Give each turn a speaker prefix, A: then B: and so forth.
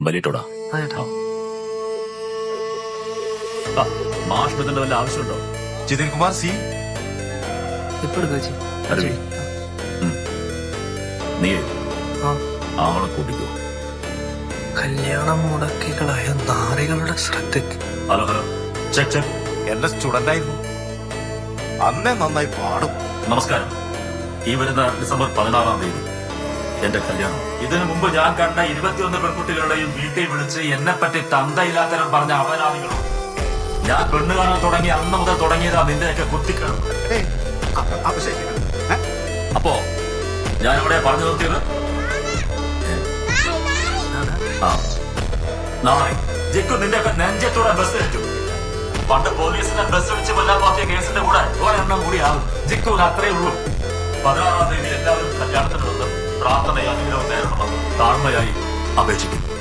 A: വലിയിട്ടോടാ. മാഷ്മിതിന്റെ വല്ല ആവശ്യമുണ്ടോ?
B: ജിതിൻ കുമാർ സി
A: അരവി, നീ ആളെ കൂട്ടിക്കോ.
C: കല്യാണം മുടക്കികളായ നാറികളുടെ ശ്രദ്ധയ്ക്ക്.
A: Hello hello, check check.
B: എന്റെ സ്റ്റുഡന്റ് ആയിരുന്നു, അന്നേ നന്നായി പാടും.
A: നമസ്കാരം. ഈ വരുന്ന ഡിസംബർ 16-ാം തീയതി എന്റെ കല്യാണം. ഇതിനു മുമ്പ് ഞാൻ കണ്ട 21 പെൺകുട്ടികളുടെയും വീട്ടിൽ വിളിച്ച് എന്നെ പറ്റി തന്തയില്ലാത്തരം പറഞ്ഞ അപരാധികളും. ഞാൻ പെണ്ണ് കാണാൻ തുടങ്ങി അന്ന് മുതൽ തുടങ്ങിയതാ നിന്റെയൊക്കെ കുത്തിക്കണം. അപ്പോ ഞാൻ ഇവിടെ പറഞ്ഞു നിർത്തിയത്, നാളെ ജിക്കു നിന്റെയൊക്കെ നെഞ്ചത്തോടെ ബസ് കയറ്റും. പണ്ട് പോലീസിനെ ബസ് വെച്ച് കൊല്ലാൻ നോക്കിയ കേസിന്റെ കൂടെ ഒരെണ്ണം കൂടിയാകും. ജിക്കുവിന് അത്രേ ഉള്ളൂ. 16-ാം തീയതി എല്ലാവരും കല്യാണത്തിനുള്ളത് പ്രാർത്ഥനയായി അനുഗ്രഹം നേരണമെന്ന് താഴ്മയായി അപേക്ഷിക്കുന്നു.